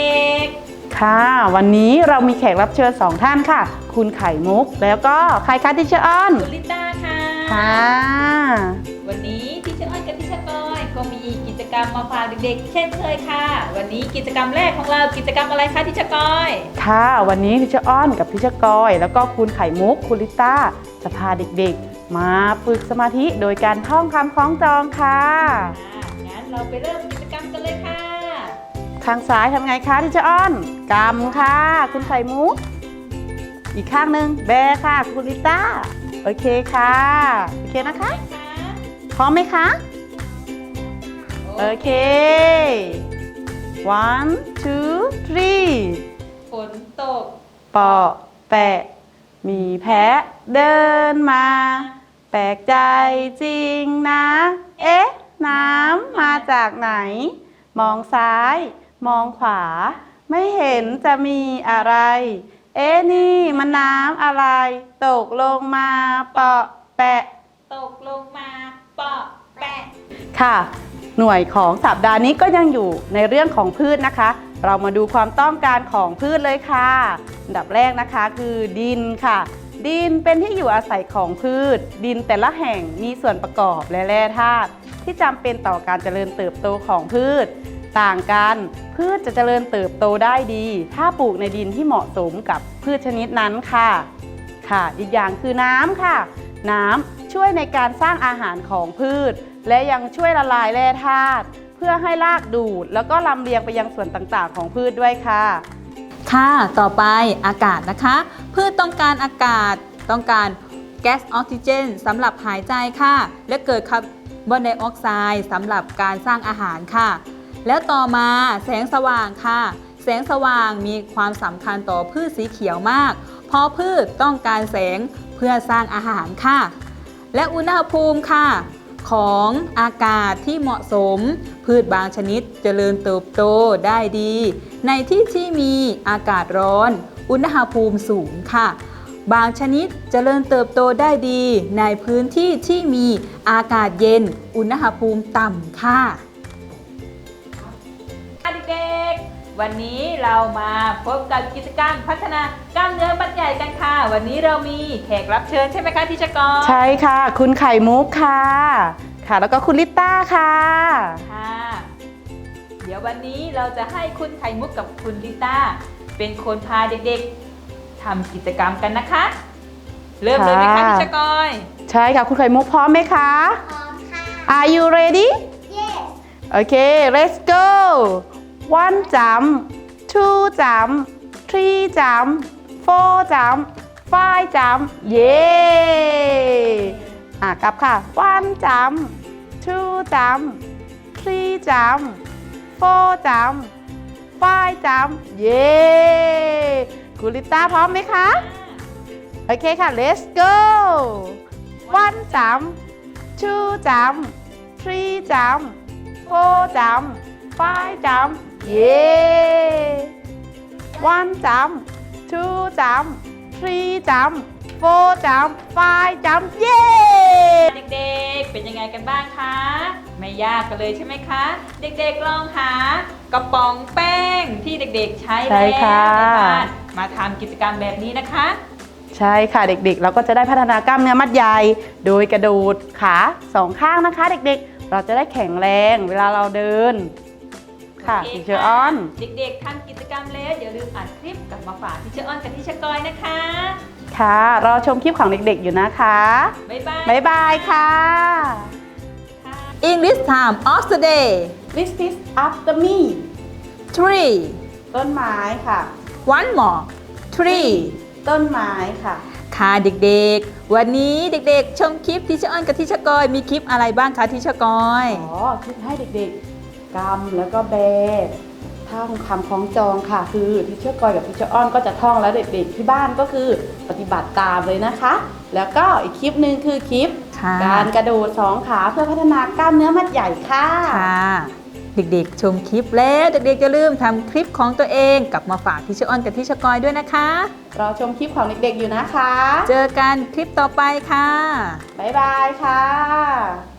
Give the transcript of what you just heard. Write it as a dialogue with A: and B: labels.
A: ด็กๆ
B: ค่ะวันนี้เรามีแขกรับเชิญ2ท่านค่ะคุณไข่มุกแล้วก็ใครคะทิเชอร์อ้อน
A: คุณลิต้าค่ะวันนี้ทิเชอร์อ้อนกับทิเชอร์กอยก็มีกิจกรรมมาฝากเด็กๆเช่นเคยค่ะวันนี้กิจกรรมแรกของเรากิจกรรมอะไรคะทิเชอร์กอย
B: ค่ะวันนี้ทิเชอร์อ้อนกับทิเชอร์กอยแล้วก็คุณไข่มุกคุณลิต้าจะพาเด็กๆมาฝึกสมาธิโดยการท่องคำคล้องจองค่ะ
A: งั้นเราไปเริ่มกิจกรรมกันเลยค่ะ
B: ข้างซ้ายทำไงคะทิเชอร์อ้อนกำค่ะคุณไข่มุกอีกข้างหนึ่งแบค่ะคุณลิต้าโอเคค่ะโอเคนะคะพร้อมไหมคะโอเค one two three
A: ฝนตก
B: เปาะแปะมีแพะเดินมาแปลกใจจริงนะเอ๊ะน้ำมาจากไหนมองซ้ายมองขวาไม่เห็นจะมีอะไรเอ๊ะนี่มันน้ำอะไรตกลงมาเปาะแปะ
A: ตกลงมาเปาะแปะ
B: ค่ะหน่วยของสัปดาห์นี้ก็ยังอยู่ในเรื่องของพืชนะคะเรามาดูความต้องการของพืชเลยค่ะอันดับแรกนะคะคือดินค่ะดินเป็นที่อยู่อาศัยของพืชดินแต่ละแห่งมีส่วนประกอบและแร่ธาตุที่จำเป็นต่อการเจริญเติบโตของพืชต่างกันพืชจะเจริญเติบโตได้ดีถ้าปลูกในดินที่เหมาะสมกับพืชชนิดนั้นค่ะอีกอย่างคือน้ำค่ะน้ำช่วยในการสร้างอาหารของพืชและยังช่วยละลายแร่ธาตุเพื่อให้รากดูดแล้วก็ลำเลียงไปยังส่วนต่างๆของพืชด้วยค่ะ
C: ต่อไปอากาศนะคะพืชต้องการอากาศต้องการแก๊สออกซิเจนสำหรับหายใจค่ะและเกิดคาร์บอนไดออกไซด์สำหรับการสร้างอาหารค่ะแล้วต่อมาแสงสว่างค่ะแสงสว่างมีความสำคัญต่อพืชสีเขียวมากเพราะพืชต้องการแสงเพื่อสร้างอาหารค่ะและอุณหภูมิค่ะของอากาศที่เหมาะสมพืชบางชนิดเจริญเติบโตได้ดีในที่ที่มีอากาศร้อนอุณหภูมิสูงค่ะบางชนิดเจริญเติบโตได้ดีในพื้นที่ที่มีอากาศเย็นอุณหภูมิต่ำค่ะ
A: เด็กๆวันนี้เรามาพบกับกิจกรรมพัฒนากล้ามเนื้อมัดใหญ่กันค่ะวันนี้เรามีแขกรับเชิญใช่ไหมคะทิชกร
B: ใช่ค่ะคุณไข่มุกค่ะแล้วก็คุณลิต้าค่ะ
A: เดี๋ยววันนี้เราจะให้คุณไข่มุกกับคุณลิต้าเป็นคนพาเด็กๆทำกิจกรรมกันนะคะเริ่มเลยไหมคะทิชกร
B: ใช่ค่ะคุณไข่มุกพร้อมไหมคะ
D: พร้อมค่ะ
B: Are you ready
D: Yes
B: Okay let's go one jump two jump three jump four jump five jump เย้กลับค่ะ one jump two jump three jump four jump five jump เย้คุณลิต้าพร้อมไหมคะโอเคค่ะ let's go one jump two jump three jump four jump five jump เย้ one jump two jump three jump four jump five jump เย้
A: เด็กๆเป็นยังไงกันบ้างคะไม่ยากกันเลยใช่ไหมคะเด็กๆลองหากระป๋องแป้งที่เด็กๆใช้แล้วในบ้านมาทำกิจกรรมแบบนี้นะคะ
B: ใช่ค่ะเด็กๆเราก็จะได้พัฒนากล้ามเนื้อมัดใหญ่โดยกระโดดขา2ข้างนะคะเด็กๆเราจะได้แข็งแรงเวลาเราเดินค่ะทิเชอร์อ้อน
A: เด็กๆทำกิจกรรมแล้วอย่าลืมอัดคลิปกลับมาฝากทิเชอร์อ้อนกับทิเชอร์กอยนะคะ
B: ค่ะรอชมคลิปของเด็กๆอยู่นะคะบ๊ายบายค่ะ
C: English time of the day
B: This is after me
C: tree
B: ต้นไม้ค่ะ
C: one more tree
B: ต้นไม้ค่ะ
C: เด็กๆวันนี้เด็กๆชมคลิปทิชออนกับทิชกอยมีคลิปอะไรบ้างคะทิชกอย
B: คลิปให้เด็กๆกำแล้วก็แบท่องคำคล้องจองค่ะคือทิชกอยกับทิชออนก็จะท่องแล้วเด็กๆที่บ้านก็คือปฏิบัติตามเลยนะคะแล้วก็อีกคลิปหนึ่งคือคลิปการกระโดด2ขาเพื่อพัฒนากล้ามเนื้อมัดใหญ่ค่ะ
C: เด็กๆชมคลิปแล้วเด็กๆจะลืมทำคลิปของตัวเองกลับมาฝากทิชออนกับทิชกอยด้วยนะคะ
B: รอชมคลิปของเด็กๆอยู่นะคะ
C: เจอกันคลิปต่อไปค่ะ
B: บ๊ายบายค่ะ